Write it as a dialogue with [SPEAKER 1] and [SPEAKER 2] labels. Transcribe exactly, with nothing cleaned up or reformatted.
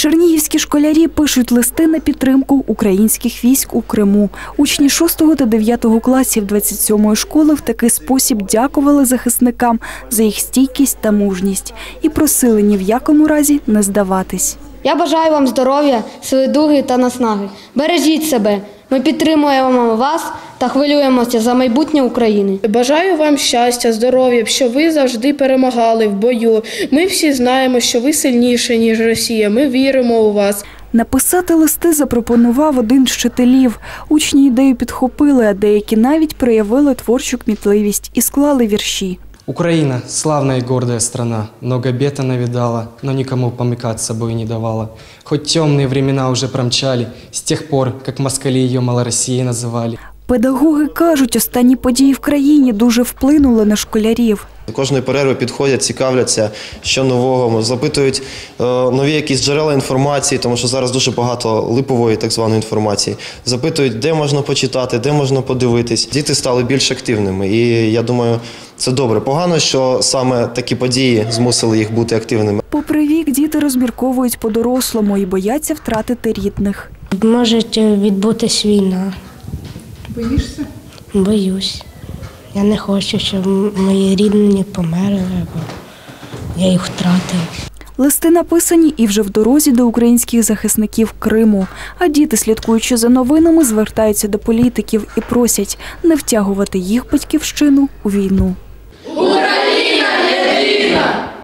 [SPEAKER 1] Чернігівські школярі пишуть листи на підтримку українських військ у Криму. Учні шостого та дев'ятого класів двадцять сьомої школи в такий спосіб дякували захисникам за їх стійкість та мужність і просили ні в якому разі не здаватись.
[SPEAKER 2] Я бажаю вам здоров'я, сили духу та наснаги. Бережіть себе. Ми підтримуємо вас та хвилюємося за майбутнє України.
[SPEAKER 3] Бажаю вам щастя, здоров'я, щоб ви завжди перемагали в бою. Ми всі знаємо, що ви сильніші, ніж Росія. Ми віримо у вас.
[SPEAKER 1] Написати листи запропонував один з вчителів. Учні ідею підхопили, а деякі навіть проявили творчу кмітливість і склали вірші.
[SPEAKER 4] Украина – славная и гордая страна, много бед она видала, но никому помыкать с собой не давала. Хоть темные времена уже промчали, с тех пор, как москали ее Малороссией называли.
[SPEAKER 1] Педагоги кажуть, останні події в країні дуже вплинули на школярів.
[SPEAKER 5] Кожної перерви підходять, цікавляться, що нового, запитують е, нові якісь джерела інформації, тому що зараз дуже багато липової так званої інформації. Запитують, де можна почитати, де можна подивитись. Діти стали більш активними і я думаю, це добре. Погано, що саме такі події змусили їх бути активними.
[SPEAKER 1] Попри вік, діти розмірковують по-дорослому і бояться втратити рідних.
[SPEAKER 6] Може відбутись війна.
[SPEAKER 3] Боїшся?
[SPEAKER 6] Боюсь. Я не хочу, щоб мої рідні померли, або я їх втратив.
[SPEAKER 1] Листи написані і вже в дорозі до українських захисників Криму. А діти, слідкуючи за новинами, звертаються до політиків і просять не втягувати їх батьківщину у війну.